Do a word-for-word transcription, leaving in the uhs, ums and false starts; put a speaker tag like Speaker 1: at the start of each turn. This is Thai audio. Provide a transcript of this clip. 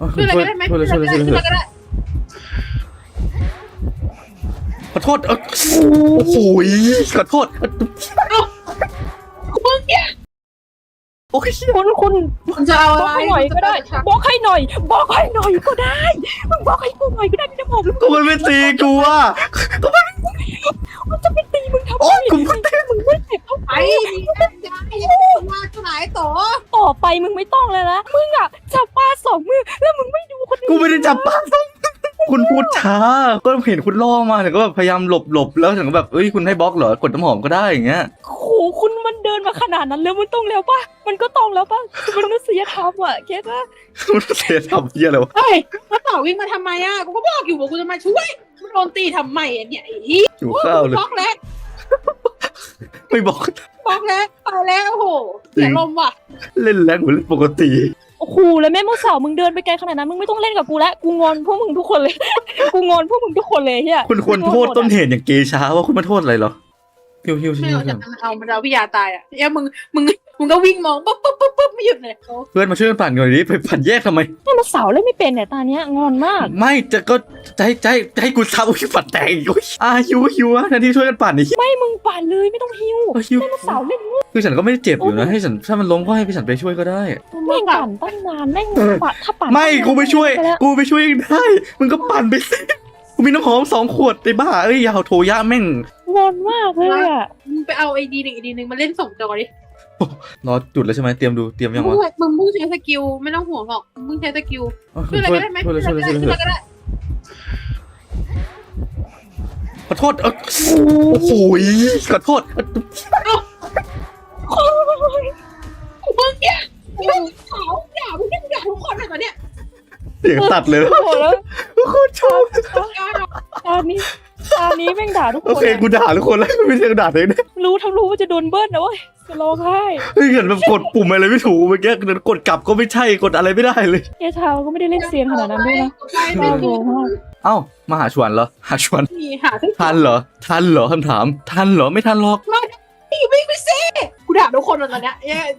Speaker 1: ช่วยอะไรก็ได้ไหม
Speaker 2: ช่วยเลยช่วยเลยช่วยเลย
Speaker 1: ช่วยอะไรก็ได้
Speaker 2: ขอโทษเออโอ้โหขอโทษ
Speaker 1: มึงเนี่ย
Speaker 2: โอ้ย
Speaker 3: คุณคุณ
Speaker 1: มึงจะเอา
Speaker 3: บ
Speaker 1: อะ
Speaker 3: อก
Speaker 1: ไร
Speaker 3: ให้หน่อยก็ได้บอกให้หน่อยบอกให้หน่อยก็ได้มึงบอกให้กูหน่อยก็ได้พี่น้ำหอม
Speaker 2: กูมันไม่ตีกูอ่ะกูมัน
Speaker 3: มันจะไปตีมึงทำไม
Speaker 2: โอ้กูไม่ตี
Speaker 3: มึงไม่เจ็บเท่าไห
Speaker 1: ไอ้
Speaker 3: ร่
Speaker 1: มีน้ำยาอย่ามาขายต่อ
Speaker 3: ต่อไปมึงไม่ต้องเลยนะมึงอ่ะจับปลาสองมือแล้วมึงไม่ดูคนอื่น
Speaker 2: กูไม่ได้จับปลาส้มคุณพูดช้าก็เห็นคุณล่อมาแต่ก็แบบพยายามหลบหลบแล้วถึงก็แบบเอ้ยคุณให้บล็อกเหรอกดน้ำหอมก็ได้อย่างเงี้ย
Speaker 3: โอ้โหคุณมันเดินมาขนาดนั้นแล้วมันต้องแล้วปะมันก็ต้องแล้วปะมันมนุษยธรรมอ่ะเก็ตปะ
Speaker 2: มันเสียทำเยี่ยอะไรวะ
Speaker 1: เฮ้ยมาต่อวิ่งมาทำไมอ่ะกูก็บอกอยู่ว่ากูจะมาช่วยมึงโดนตีทำไมอ่ะเนี่ยไอ้ที่
Speaker 2: หิวข้าวเลย
Speaker 1: บล็อกแล้ว
Speaker 2: ไม่บอก
Speaker 1: บล็อกแล้วตายแล้วโอ้โหเสียลมว่ะ
Speaker 2: เล่นแรงเหมือนเล่นปกติ
Speaker 3: โอ้โหแล้วแม่โมสาวมึงเดินไปไกลขนาดนั้นมึงไม่ต้องเล่นกับกูแล้วกูงอนพวกมึงทุกคนเลย กูงอนพวกมึงทุกคนเลยเฮีย
Speaker 2: คุณควรโทษต้นเหตุอย่างเกชาว่าคุณมาโทษอะไรเหรอฮิวฮิว
Speaker 1: ไม่
Speaker 2: ฮิว
Speaker 1: เอาจากนั้นเอามันเอาพี่ยาตายอ่ะเนี่ยมึงมึงมึงก็วิ่งมองปุ๊บปุ๊บปุ๊บปุ๊บไม่หยุดเลยโอ้
Speaker 2: เพื่อนมาช่วยกันปั่นหน่อยดิไปปั่นแยกทำไม
Speaker 3: แม่โมสาวเล่นไม่เป็นเนี่ยตาเนี้ยงอนมาก
Speaker 2: ไม่จะก็จะให้จะให้จะให้กูทำอุ้ยปั่นแตกอีกอุ้ยอ่ะฮิวฮิวอ่ะแทนที่ช่วยกันปั่นนี่
Speaker 3: ไม่มึงปั่นเลยไม่ต้องหิว
Speaker 2: เออฮิว
Speaker 3: แม่โมสาวเล่นงู
Speaker 2: คือฉันก็ไม่ได้เจ็บอยู่นะให้ฉันถ้ามันล้มก็ให้พี่ฉันไปช่วยก็ได้
Speaker 3: แม่งปั่นตั้งนานแม่งปั่นถ้าปั่น
Speaker 2: ไม่กูไปช่วย
Speaker 3: ไปแล้ว
Speaker 2: กูไปช่วยเองได้มึงก็ปั่นไปสิกูมีน้ำหอมสองขวดไอ้บ้าเอ้ยอยาเอาโทยะแม่ง
Speaker 3: งอนมากเลยอ่ะ
Speaker 1: มึงไปเอาไอดีหนึ่งไอดีหนึ่งมาเล่นส่งจอดิ
Speaker 2: รอจุดแล้วใช่ไหมเตรียมดูเตรียมยัง
Speaker 1: มึง
Speaker 2: วะ
Speaker 1: มึงมึงใช้สกิลไม่ต้องห่วงหรอกมึงใช้สกิล
Speaker 2: เออ
Speaker 1: ช่วยอะไรก็ได้ไหม
Speaker 2: ช่วยเลยช่วยเลยช่วยเลย
Speaker 1: ช่วยอะไรก็ได้
Speaker 2: ขอโทษเออโอ้โหขอโทษ
Speaker 1: มึงเนี่ยมึงขาวด่ามึงเนี่ยด่าทุกคนเลยตอนเนี้ย
Speaker 2: เสียงตัดเลย
Speaker 3: โอ้โหแล้ว
Speaker 2: โคตรชอบ
Speaker 3: ตานี้ตานี้แม่งด่าทุกค
Speaker 2: โอน เค
Speaker 3: อะ
Speaker 2: กูด่าทุกคนแล้วไม่ใช่กูด่าตัวเองนะ
Speaker 3: รู้ทั้งรู้ว่าจะโดนเบิ้ลนะเว้ยจะร้องไห้
Speaker 2: เฮ้ยเห็นแบบกดปุ่มอะไรไม่ถูกเมื่อกี้กดกลับก็ไม่ใช่กดอะไรไม่ได้เลย
Speaker 3: เอชาวก็ไม่ได้เล่นเซียนขนาดนั้นด้วยนะ
Speaker 1: ใช่ไม่
Speaker 3: น่า
Speaker 1: ถู
Speaker 3: โง่
Speaker 1: ก
Speaker 3: มาก
Speaker 2: เอ้ามาหาชวนเหรอหาชวน
Speaker 1: มีหาทุก
Speaker 2: ทันเหรอทันเหรอคำถามทันเหรอไม่ทันหรอก
Speaker 1: พี่วิ่งไปสิกูด่าทุกคนเลยตอนเนี้ย